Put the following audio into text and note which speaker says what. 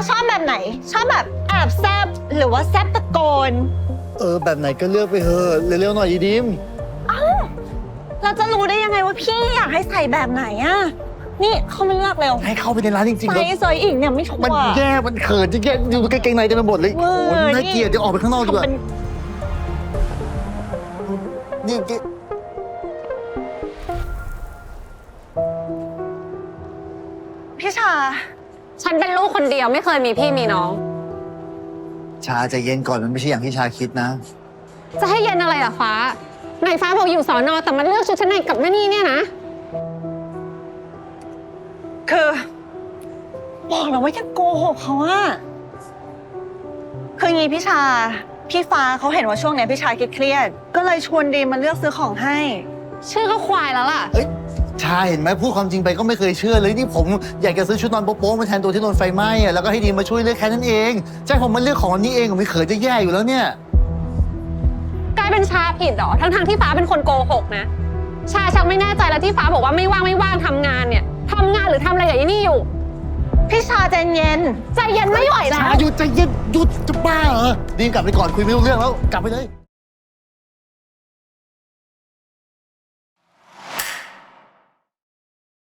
Speaker 1: ชอบแบบไหนชอบแบบแอบแซบหรือว่าแซบตะโกน
Speaker 2: แบบไหนก็เลือกไปเถอะเร็วๆหน่อยดิม
Speaker 1: เราจะรู้ได้ยังไงว่าพี่อยากให้ใส่แบบไหนอะนี่เขาไม่เลือกเร็ว
Speaker 2: ให้เข้าไปในร้านจริงๆ
Speaker 1: ใส่
Speaker 2: แล้ว
Speaker 1: เซยอีกเนี่ยไม่ชัวร์
Speaker 2: มันแย่มันเขินจะแย่อยู่กางเกงในเต็มไปหมดเลย
Speaker 1: เวอร์
Speaker 2: โอ้น่าเกลียดจะออกไปข้างนอกดีกว่านี่
Speaker 1: พี่ชา
Speaker 3: ฉันเป็นลูกคนเดียวไม่เคยมีพี่มีน้อง
Speaker 2: ชาใจเย็นก่อนมันไม่ใช่อย่างที่ชาคิดนะ
Speaker 3: จะให้เย็นอะไรล่ะฟ้าไหนฟ้าบอกอยู่สอนอแต่มันเลือกชุดชั้นในกับแม่นี่เนี่ยนะ
Speaker 1: คือบอกแล้วว่าอย่าโกหกเขาอะคืองี้พี่ชาพี่ฟ้าเขาเห็นว่าช่วงเนี้ยพี่ชาเครียดๆก็เลยชวนดีมมาเลือกซื้อของให้
Speaker 3: ชื่อก็ควายแล้วล่ะ
Speaker 2: เอ้ยชาเห็นไหมพูดความจริงไปก็ไม่เคยเชื่อเลยนี่ผมอยากจะซื้อชุดนอนโป๊ะๆมาแทนตัวที่โดนไฟไหม้อะแล้วก็ให้ดีมาช่วยเลือกแค่นั้นเองใช่ผมมันเลือกของอันนี้เองผมไม่เขินจะแย่อยู่แล้วเนี่ย
Speaker 3: กลายเป็นชาผิดเหรอทั้งที่ฟ้าเป็นคนโกหกนะชาชักไม่แน่ใจแล้วที่ฟ้าบอกว่าไม่ว่างทำงานเนี่ยทำงานหรือทำอะไรอย่างนี้อยู่
Speaker 1: พี่ชาใจเย็น
Speaker 3: ใจเย็นไม่ไหวแล้ว
Speaker 2: ชาหยุดใจเย็นหยุดจะบ้าเหรอดีมกลับไปก่อนคุยไม่รู้เรื่องแล้วกลับไปเลย